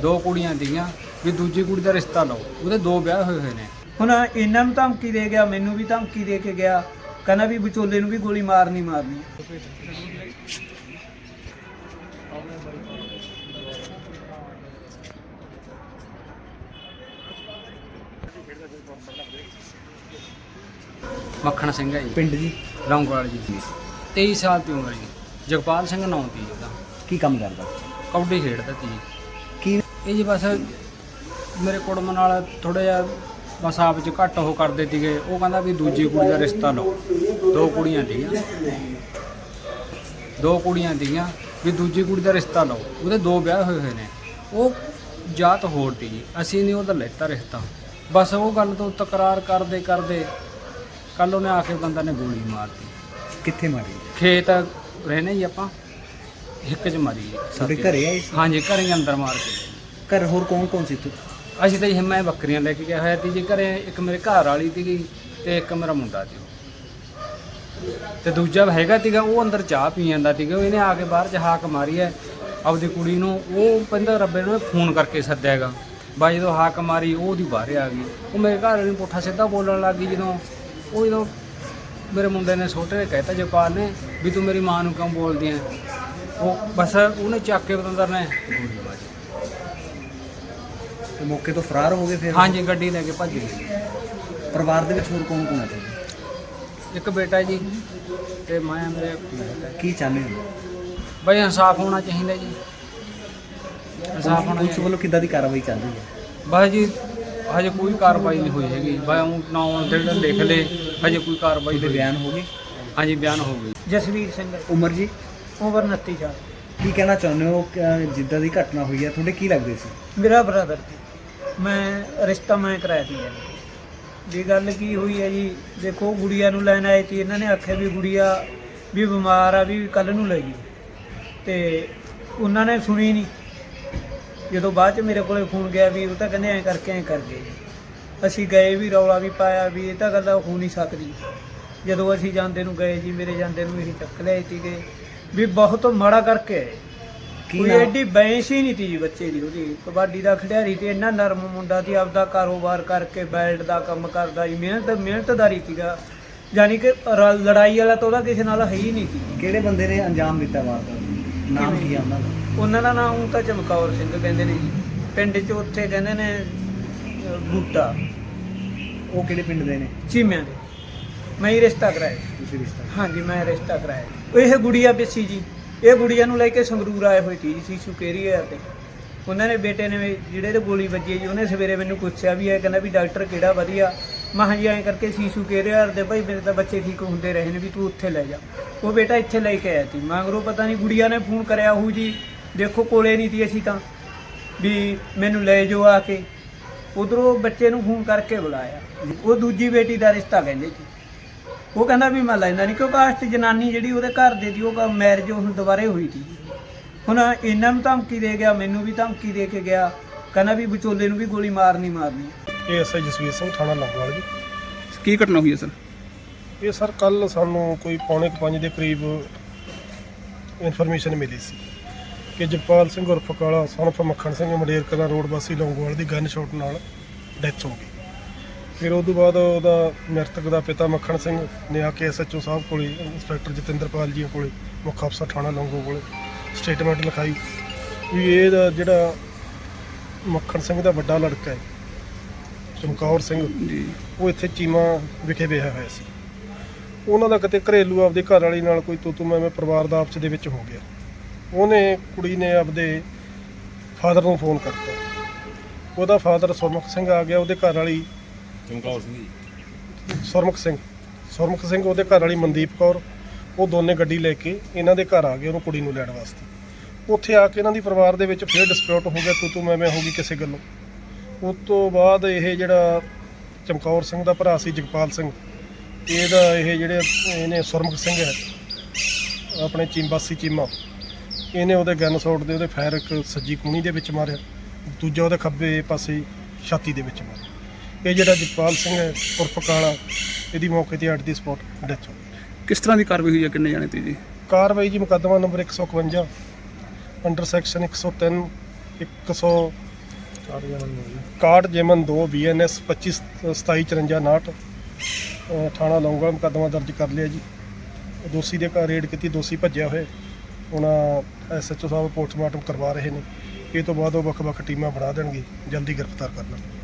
2 ਕੁੜੀਆਂ ਸੀਗੀਆਂ ਵੀ ਦੂਜੀ ਕੁੜੀ ਦਾ ਰਿਸ਼ਤਾ ਲਓ। ਉਹਦੇ 2 ਵਿਆਹ ਹੋਏ ਨੇ। ਹੁਣ ਇਹਨਾਂ ਨੂੰ ਧਮਕੀ ਦੇ ਗਿਆ, ਮੈਨੂੰ ਵੀ ਧਮਕੀ ਦੇ ਕੇ ਗਿਆ, ਕਹਿੰਦਾ ਵੀ ਵਿਚੋਲੇ ਨੂੰ ਵੀ ਗੋਲੀ ਮਾਰਨੀ। ਮੱਖਣ ਸਿੰਘ ਹੈ ਜੀ, ਪਿੰਡ ਜੀ ਲੌਂਗੋਵਾਲ ਜੀ। 23 ਸਾਲ ਦੀ ਉਮਰ ਜੀ। ਜਗਪਾਲ ਸਿੰਘ ਨਾਂ ਸੀ ਉਹਦਾ। ਕੀ ਕੰਮ ਕਰਦਾ? ਕਬੱਡੀ ਖੇਡਦਾ ਸੀ ਜੀ। ਕੀ ਇਹ ਜੀ ਬਸ ਮੇਰੇ ਕੁੜਮ ਨਾਲ ਥੋੜ੍ਹਾ ਜਿਹਾ ਬਸ ਆਪ 'ਚ ਘੱਟ ਉਹ ਕਰਦੇ ਸੀਗੇ। ਉਹ ਕਹਿੰਦਾ ਵੀ ਦੂਜੀ ਕੁੜੀ ਦਾ ਰਿਸ਼ਤਾ ਲਓ। 2 ਕੁੜੀਆਂ ਸੀਗੀਆਂ ਵੀ ਦੂਜੀ ਕੁੜੀ ਦਾ ਰਿਸ਼ਤਾ ਲਓ। ਉਹਦੇ 2 ਵਿਆਹ ਹੋਏ ਨੇ। ਉਹ ਜਾਤ ਹੋਰ ਸੀ ਜੀ, ਅਸੀਂ ਨਹੀਂ ਉਹਦਾ ਲੈਤਾ ਰਿਸ਼ਤਾ। ਬਸ ਉਹ ਗੱਲ ਤੋਂ ਤਕਰਾਰ ਕਰਦੇ ਕੱਲ ਉਹਨੇ ਆ ਕੇ ਬੰਦਾ ਨੇ ਗੋਲੀ ਮਾਰਤੀ। ਕਿੱਥੇ ਮਾਰੀ? ਖੇਤ ਰਹਿੰਦੇ ਜੀ ਆਪਾਂ, ਹਿੱਕ 'ਚ ਮਾਰੀ ਜੀ। ਤੁਹਾਡੇ ਘਰੇ ਆਏ ਸੀ? ਹਾਂਜੀ, ਘਰੇ ਹੀ ਅੰਦਰ ਮਾਰ ਕੇ। ਘਰ ਹੋਰ ਕੌਣ ਸੀ ਤੂੰ? ਅਸੀਂ ਤਾਂ ਜੀ ਮੈਂ ਬੱਕਰੀਆਂ ਲੈ ਕੇ ਗਿਆ ਹੋਇਆ ਸੀ ਜੀ ਘਰੇ। ਇੱਕ ਮੇਰੇ ਘਰ ਵਾਲੀ ਸੀਗੀ ਤੇ ਇੱਕ ਮੇਰਾ ਮੁੰਡਾ ਸੀ ਤੇ ਦੂਜਾ ਹੈਗਾ ਸੀਗਾ। ਉਹ ਅੰਦਰ ਚਾਹ ਪੀ ਜਾਂਦਾ ਸੀਗਾ। ਇਹਨੇ ਆ ਕੇ ਬਾਹਰ 'ਚ ਹਾਕ ਮਾਰੀ ਹੈ ਆਪਦੀ ਕੁੜੀ ਨੂੰ। ਉਹ ਕਹਿੰਦਾ ਰੱਬੇ ਨੂੰ ਫੋਨ ਕਰਕੇ ਸੱਦਿਆ ਹੈਗਾ। ਬਾਈ ਜਦੋਂ ਹਾਕ ਮਾਰੀ ਉਹ ਉਹਦੀ ਬਾਹਰ ਆ ਗਈ। ਉਹ ਮੇਰੇ ਘਰ ਵਾਲੇ ਨੂੰ ਪੁੱਠਾ ਸਿੱਧਾ ਬੋਲਣ ਲੱਗ ਗਈ। ਜਦੋਂ ਮੇਰੇ ਮੁੰਡੇ ਨੇ ਛੋਟੇ ਨੇ ਕਹਿਤਾ ਜਗਪਾਲ ਨੇ ਵੀ ਤੂੰ ਮੇਰੀ ਮਾਂ ਨੂੰ ਕਿਉਂ ਬੋਲਦੀ ਹੈ। ਉਹ ਬਸ ਉਹਨੇ ਚੱਕ ਕੇ ਬਤੰਦਰ ਨੇ ਗੋਲੀ ਮਾਰੀ। ਤੇ ਮੌਕੇ ਤੋਂ ਫਰਾਰ ਹੋ ਗਏ ਫਿਰ? ਹਾਂਜੀ, ਗੱਡੀ ਲੈ ਕੇ ਭੱਜ ਗਏ। ਪਰਿਵਾਰ ਦੇ ਵਿੱਚ ਹੋਰ ਕੌਣ ਹੈ? ਇੱਕ ਬੇਟਾ ਜੀ ਤੇ ਮੈਂ ਮੇਰੇ। ਕੀ ਚਾਹੁੰਦੇ ਹੋ? ਬਈ ਇਨਸਾਫ ਹੋਣਾ ਚਾਹੀਦਾ ਜੀ। ਇਨਸਾਫ ਹੋਣਾ ਪੁਲਿਸ ਵੱਲੋਂ ਕਿੱਦਾਂ ਦੀ ਕਾਰਵਾਈ ਚੱਲ ਰਹੀ ਹੈ? ਬਸ ਜੀ ਹਜੇ ਕੋਈ ਕਾਰਵਾਈ ਨਹੀਂ ਹੋਈ ਹੈਗੀ। ਬਸ ਨਾਂ ਜਿਹੜੇ ਲਿਖ ਲਏ, ਹਜੇ ਕੋਈ ਕਾਰਵਾਈ ਦੇ ਨਹੀਂ। ਬਿਆਨ ਹੋ ਗਏ? ਹਾਂਜੀ, ਬਿਆਨ ਹੋ ਗਏ। ਜਸਵੀਰ ਸਿੰਘ, ਉਮਰ ਜੀ? ਉਮਰ 29 ਸਾਲ। ਕੀ ਕਹਿਣਾ ਚਾਹੁੰਦੇ ਹੋ ਕਿ ਜਿੱਦਾਂ ਦੀ ਘਟਨਾ ਹੋਈ ਹੈ ਤੁਹਾਡੇ ਕੀ ਲੱਗਦੇ ਸੀ? ਮੇਰਾ ਬ੍ਰਦਰ ਸੀ। ਮੈਂ ਰਿਸ਼ਤਾ ਕਰਾਇਆ ਸੀ ਜੀ। ਗੱਲ ਕੀ ਹੋਈ ਹੈ ਜੀ, ਦੇਖੋ ਗੁੜੀਆ ਨੂੰ ਲੈਣ ਆਏ ਸੀ। ਇਹਨਾਂ ਨੇ ਆਖਿਆ ਵੀ ਗੁੜੀਆ ਵੀ ਬਿਮਾਰ ਆ, ਵੀ ਕੱਲ੍ਹ ਨੂੰ ਲੈ ਜੀ। ਤੇ ਉਹਨਾਂ ਨੇ ਸੁਣੀ ਨਹੀਂ। ਜਦੋਂ ਬਾਅਦ 'ਚ ਮੇਰੇ ਕੋਲੇ ਫੋਨ ਗਿਆ ਵੀ ਉਹ ਤਾਂ ਕਹਿੰਦੇ ਐਂ ਕਰ ਗਏ। ਅਸੀਂ ਗਏ ਵੀ, ਰੌਲਾ ਵੀ ਪਾਇਆ ਵੀ ਇਹ ਤਾਂ ਗੱਲ ਹੋ ਨਹੀਂ ਸਕਦੀ। ਜਦੋਂ ਅਸੀਂ ਜਾਂਦੇ ਨੂੰ ਗਏ ਜੀ, ਮੇਰੇ ਜਾਂਦੇ ਨੂੰ ਇਹੀ ਚੱਕ ਲਿਆਏ ਸੀਗੇ ਵੀ ਬਹੁਤ ਮਾੜਾ ਕਰਕੇ ਆਏ। ਕੋਈ ਐਡੀ ਬੈਂਸ ਹੀ ਨਹੀਂ ਤੀ ਜੀ ਬੱਚੇ ਦੀ। ਉਹਦੀ ਕਬੱਡੀ ਦਾ ਖਿਡਾਰੀ ਤੇ ਇੰਨਾ ਨਰਮ ਮੁੰਡਾ ਸੀ। ਆਪਦਾ ਕਾਰੋਬਾਰ ਕਰਕੇ ਬੈਲਟ ਦਾ ਕੰਮ ਕਰਦਾ ਜੀ। ਮਿਹਨਤਦਾਰੀ ਸੀਗਾ। ਯਾਨੀ ਕਿ ਲੜਾਈ ਵਾਲਾ ਤਾਂ ਉਹਦਾ ਕਿਸੇ ਨਾਲ ਹੈ ਹੀ ਨਹੀਂ ਸੀ। ਕਿਹੜੇ ਬੰਦੇ ਨੇ ਅੰਜਾਮ ਦਿੱਤਾ ਵਾਰਦਾਤ? ਨਾਮ ਕੀ ਆ ਉਹਨਾਂ ਦਾ? ਉਹਨਾਂ ਦਾ ਨਾਮ ਤਾਂ ਚਮਕੌਰ ਸਿੰਘ ਕਹਿੰਦੇ ਨੇ ਜੀ। ਪਿੰਡ 'ਚ ਉੱਥੇ ਕਹਿੰਦੇ ਨੇ ਬੂਟਾ। ਉਹ ਕਿਹੜੇ ਪਿੰਡ ਦੇ ਨੇ? ਚੀਮਿਆਂ ਦੇ। ਮੈਂ ਹੀ ਰਿਸ਼ਤਾ ਕਰਾਇਆ। ਤੁਸੀਂ ਰਿਸ਼ਤਾ? ਹਾਂਜੀ, ਮੈਂ ਰਿਸ਼ਤਾ ਕਰਾਇਆ। ਇਹ ਗੁੜੀਆ ਪਿੱਛੀ ਜੀ। ਇਹ ਗੁੜੀਆ ਨੂੰ ਲੈ ਕੇ ਸੰਗਰੂਰ ਆਏ ਹੋਏ ਸੀ ਜੀ, ਸੁਕੇਰੀਆ ਤੇ। ਉਹਨਾਂ ਨੇ ਬੇਟੇ ਨੇ ਜਿਹੜੇ ਤੇ ਗੋਲੀ ਵੱਜੀ ਜੀ, ਉਹਨੇ ਸਵੇਰੇ ਮੈਨੂੰ ਪੁੱਛਿਆ ਵੀ ਇਹ ਕਹਿੰਦਾ ਵੀ ਡਾਕਟਰ ਕਿਹੜਾ ਵਧੀਆ। ਮੈਂ ਕਿਹਾ ਜੀ ਐਂ ਕਰਕੇ ਸੀਸੂ ਕੇਰੀਆ ਦੇ ਭਾਈ ਮੇਰੇ ਤਾਂ ਬੱਚੇ ਠੀਕ ਹੁੰਦੇ ਰਹੇ ਨੇ ਵੀ ਤੂੰ ਉੱਥੇ ਲੈ ਜਾ। ਉਹ ਬੇਟਾ ਇੱਥੇ ਲੈ ਕੇ ਆਇਆ ਸੀ। ਮਗਰੋਂ ਪਤਾ ਨਹੀਂ ਗੁੜੀਆ ਨੇ ਫੋਨ ਕਰਿਆ ਹੋਊ ਜੀ। ਦੇਖੋ ਕੋਲੇ ਨਹੀਂ ਸੀ ਅਸੀਂ ਤਾਂ ਵੀ ਮੈਨੂੰ ਲੈ ਜਾਓ ਆ ਕੇ। ਉਧਰੋਂ ਬੱਚੇ ਨੂੰ ਫੋਨ ਕਰਕੇ ਬੁਲਾਇਆ। ਉਹ ਦੂਜੀ ਬੇਟੀ ਦਾ ਰਿਸ਼ਤਾ ਕਹਿੰਦੇ ਸੀ। ਉਹ ਕਹਿੰਦਾ ਵੀ ਮੈਂ ਲੈਂਦਾ ਨਹੀਂ, ਕਿਉਂਕਿ ਕਾਸਟ ਜਨਾਨੀ ਜਿਹੜੀ ਉਹਦੇ ਘਰ ਦੇ ਦੀ ਉਹ ਮੈਰਿਜ ਹੁਣ ਦੁਬਾਰੇ ਹੋਈ ਸੀ। ਹੁਣ ਇਹਨਾਂ ਨੂੰ ਧਮਕੀ ਦੇ ਗਿਆ, ਮੈਨੂੰ ਵੀ ਧਮਕੀ ਦੇ ਕੇ ਗਿਆ। ਕਹਿੰਦਾ ਵੀ ਵਿਚੋਲੇ ਨੂੰ ਵੀ ਗੋਲੀ ਮਾਰਨੀ। ਇਹ ਐਸਆਈ ਜਸਵੀਰ ਸਿੰਘ, ਥਾਣਾ ਲੌਂਗੋਵਾਲ ਜੀ। ਕੀ ਘਟਨਾ ਹੋਈ ਹੈ ਸਰ? ਇਹ ਸਰ ਕੱਲ ਸਾਨੂੰ ਕੋਈ 4:45 ਦੇ ਕਰੀਬ ਇਨਫੋਰਮੇਸ਼ਨ ਮਿਲੀ ਸੀ ਕਿ ਜਗਪਾਲ ਸਿੰਘ ਉਰਫ ਕਾਲਾ ਸਨ ਆਫ ਮੱਖਣ ਸਿੰਘ ਮੰਡੇਰ ਕਲਾਂ ਰੋਡ ਵਾਸੀ ਲੌਂਗੋਵਾਲ ਦੀ ਗਨ ਸ਼ਾਟ ਨਾਲ ਡੈਥ ਹੋ ਗਈ। ਫਿਰ ਉਸ ਤੋਂ ਬਾਅਦ ਉਹਦਾ ਮ੍ਰਿਤਕ ਦਾ ਪਿਤਾ ਮੱਖਣ ਸਿੰਘ ਨੇ ਆ ਕੇ ਐਸਐਚਓ ਸਾਹਿਬ ਕੋਲੇ, ਇੰਸਪੈਕਟਰ ਜਤਿੰਦਰਪਾਲ ਜੀ ਕੋਲੇ, ਮੁੱਖ ਅਫਸਰ ਥਾਣਾ ਲੌਂਗੋਵਾਲ ਕੋਲੇ ਸਟੇਟਮੈਂਟ ਲਿਖਾਈ ਵੀ ਇਹਦਾ ਜਿਹੜਾ ਮੱਖਣ ਸਿੰਘ ਦਾ ਵੱਡਾ ਲੜਕਾ ਹੈ ਚਮਕੌਰ ਸਿੰਘ ਜੀ, ਉਹ ਇੱਥੇ ਚੀਮਾ ਵਿਖੇ ਵਿਆਹਿਆ ਹੋਇਆ ਸੀ। ਉਹਨਾਂ ਦਾ ਕਿਤੇ ਘਰੇਲੂ ਆਪਦੇ ਘਰ ਵਾਲੀ ਨਾਲ ਕੋਈ ਤੂੰ ਮੈਂ ਪਰਿਵਾਰ ਦਾ ਆਪਸ ਦੇ ਵਿੱਚ ਹੋ ਗਿਆ। ਉਹਨੇ ਕੁੜੀ ਨੇ ਆਪਦੇ ਫਾਦਰ ਨੂੰ ਫੋਨ ਕਰਤਾ। ਉਹਦਾ ਫਾਦਰ ਸੁਰਮੁਖ ਸਿੰਘ ਆ ਗਿਆ। ਉਹਦੇ ਘਰ ਵਾਲੀ ਸੁਰਮੁਖ ਸਿੰਘ ਉਹਦੇ ਘਰ ਵਾਲੀ ਮਨਦੀਪ ਕੌਰ, ਉਹ ਦੋਨੇ ਗੱਡੀ ਲੈ ਕੇ ਇਹਨਾਂ ਦੇ ਘਰ ਆ ਗਏ ਉਹਨੂੰ ਕੁੜੀ ਨੂੰ ਲੈਣ ਵਾਸਤੇ। ਉੱਥੇ ਆ ਕੇ ਇਹਨਾਂ ਦੀ ਪਰਿਵਾਰ ਦੇ ਵਿੱਚ ਫਿਰ ਡਿਸਪਿਊਟ ਹੋ ਗਿਆ, ਤੂੰ ਮੈਂ ਹੋ ਗਈ ਕਿਸੇ ਗੱਲੋਂ। ਉਸ ਤੋਂ ਬਾਅਦ ਇਹ ਜਿਹੜਾ ਚਮਕੌਰ ਸਿੰਘ ਦਾ ਭਰਾ ਸੀ ਜਗਪਾਲ ਸਿੰਘ, ਇਹਦਾ ਇਹ ਜਿਹੜੇ ਇਹਨੇ ਸੁਰਮੁਖ ਸਿੰਘ ਹੈ ਆਪਣੇ ਚੀਮਬਾਸੀ ਚੀਮਾ, ਇਹਨੇ ਉਹਦੇ ਗਨ ਸ਼ਾਟ ਦੇ ਉਹਦੇ ਫਾਇਰ ਇੱਕ ਸੱਜੀ ਕੂਣੀ ਦੇ ਵਿੱਚ ਮਾਰਿਆ, ਦੂਜਾ ਉਹਦੇ ਖੱਬੇ ਪਾਸੇ ਛਾਤੀ ਦੇ ਵਿੱਚ ਮਾਰਿਆ। ਇਹ ਜਿਹੜਾ ਜਗਪਾਲ ਸਿੰਘ ਹੈ ਉਰਫ ਕਾਲਾ, ਇਹਦੀ ਮੌਕੇ 'ਤੇ ਐਟ ਦੀ ਸਪੌਟ ਡੈਥ ਹੋ ਗਈ। ਕਿਸ ਤਰ੍ਹਾਂ ਦੀ ਕਾਰਵਾਈ ਹੋਈ ਹੈ? ਕਿੰਨੇ ਜਾਣੇ ਤੇ ਜੀ? ਕਾਰਵਾਈ ਜੀ ਮੁਕੱਦਮਾ ਨੰਬਰ 151 ਅੰਡਰ ਸੈਕਸ਼ਨ 103, ਕਾਰਡ ਜੇਮਨ 2 BNS 25 2754 ਥਾਣਾ ਲੌਂਗਾ ਮੁਕੱਦਮਾ ਦਰਜ ਕਰ ਲਿਆ ਜੀ। ਦੋਸ਼ੀ ਦੇ ਘਰ ਰੇਡ ਕੀਤੀ, ਦੋਸ਼ੀ ਭੱਜਿਆ ਹੋਇਆ। ਹੁਣ SHO ਸਾਹਿਬ ਪੋਸਟਮਾਰਟਮ ਕਰਵਾ ਰਹੇ ਨੇ। ਇਹ ਤੋਂ ਬਾਅਦ ਉਹ ਵੱਖ-ਵੱਖ ਟੀਮਾਂ ਬਣਾ ਦੇਣਗੇ, ਜਲਦੀ ਗ੍ਰਿਫਤਾਰ ਕਰਨਾ।